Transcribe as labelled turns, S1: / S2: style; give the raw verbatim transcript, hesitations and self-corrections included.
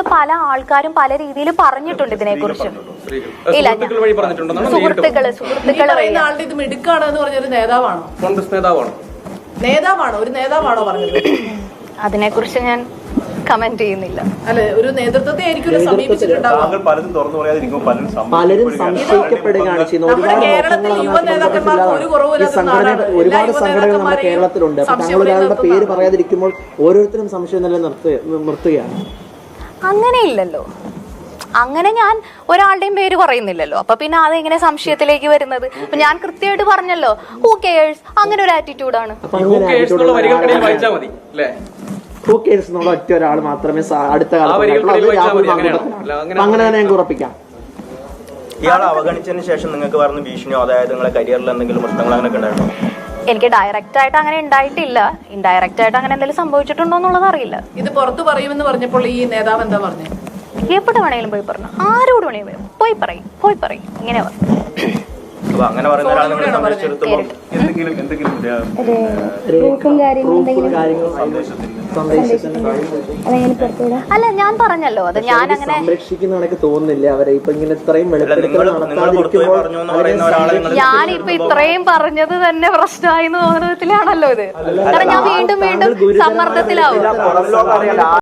S1: പല ആൾക്കാരും പല രീതിയിൽ പറഞ്ഞിട്ടുണ്ട് ഇതിനെക്കുറിച്ച്. ഇല്ല, സുഹൃത്തുക്കള് സുഹൃത്തുക്കള്
S2: ആളുടെ ഇത് മിടുക്കാണ് എന്ന് പറഞ്ഞൊരു നേതാവാണോ,
S3: കോൺഗ്രസ് നേതാവാണോ
S2: നേതാവാണോ ഒരു നേതാവാണോ പറഞ്ഞത്?
S1: അതിനെക്കുറിച്ച് ഞാൻ കമന്റ് ചെയ്യുന്നില്ല.
S2: അല്ലെ, ഒരു നേതൃത്വത്തെ ആയിരിക്കും സമീപിച്ചിട്ടുണ്ടാവും.
S4: പലരും സംശയിക്കപ്പെടുകയാണ് ചെയ്യുന്നത്. ഒരുപാട് സംഘടനകൾ നമ്മുടെ കേരളത്തിലുണ്ട്. താങ്കൾ ഒരാളുടെ പേര് പറയാതിരിക്കുമ്പോൾ ഓരോരുത്തരും സംശയം നല്ല നിർത്തുകയാണ്.
S1: അങ്ങനെയില്ലല്ലോ, അങ്ങനെ ഞാൻ ഒരാളുടെയും പേര് പറയുന്നില്ലല്ലോ. അപ്പൊ പിന്നെ അതെങ്ങനെ സംശയത്തിലേക്ക് വരുന്നത്? അപ്പൊ ഞാൻ കൃത്യമായിട്ട് പറഞ്ഞല്ലോ, ഹൂ കെയേഴ്സ്, അങ്ങനെ ഒരു ആറ്റിറ്റ്യൂഡാണ്.
S4: ഒറ്റ ഒരാൾ മാത്രമേ അടുത്ത കാലത്ത് അങ്ങനെ തന്നെ ഞങ്ങൾക്ക് ഉറപ്പിക്കാം.
S5: ഇയാളെ അവഗണിച്ചതിന് ശേഷം നിങ്ങൾക്ക് പറഞ്ഞ ഭീഷണിയോ അതായത് നിങ്ങളെ കരിയറിൽ എന്തെങ്കിലും പ്രശ്നങ്ങൾ അങ്ങനെ ഉണ്ടായിരുന്നോ?
S1: എനിക്ക് ഡയറക്റ്റ് ആയിട്ട് അങ്ങനെ ഉണ്ടായിട്ടില്ല. ഇൻഡയറക്റ്റ് ആയിട്ട് അങ്ങനെ എന്തെങ്കിലും സംഭവിച്ചിട്ടുണ്ടോ എന്നുള്ളത് അറിയില്ല.
S2: ഇത് പുറത്തു പറയുമെന്ന് പറഞ്ഞപ്പോൾ ഈ നേതാവ് എന്താ പറഞ്ഞു?
S1: എവിടെ വേണേലും പോയി പറഞ്ഞു, ആരോട് വേണേലും പോയി പറയും പോയി പറയും ഇങ്ങനെ പറഞ്ഞു.
S5: അങ്ങനെ പറയുന്ന ഒരാളെ നിങ്ങൾ സംരക്ഷിച്ചിടത്തോളം
S6: എന്തെങ്കിലും എന്തെങ്കിലും
S1: അല്ല, ഞാൻ പറഞ്ഞല്ലോ അത് ഞാൻ അങ്ങനെ
S4: സംരക്ഷിക്കുന്ന തോന്നുന്നില്ല അവരെ. ഇപ്പൊ ഇങ്ങനെ ഇത്രയും
S1: ഞാനിപ്പൊ ഇത്രയും പറഞ്ഞത് തന്നെ പ്രശ്നമായി എന്ന് തോന്നുന്നതിലാണല്ലോ ഇത്. കാരണം ഞാൻ വീണ്ടും വീണ്ടും സമ്മർദ്ദത്തിലാവും.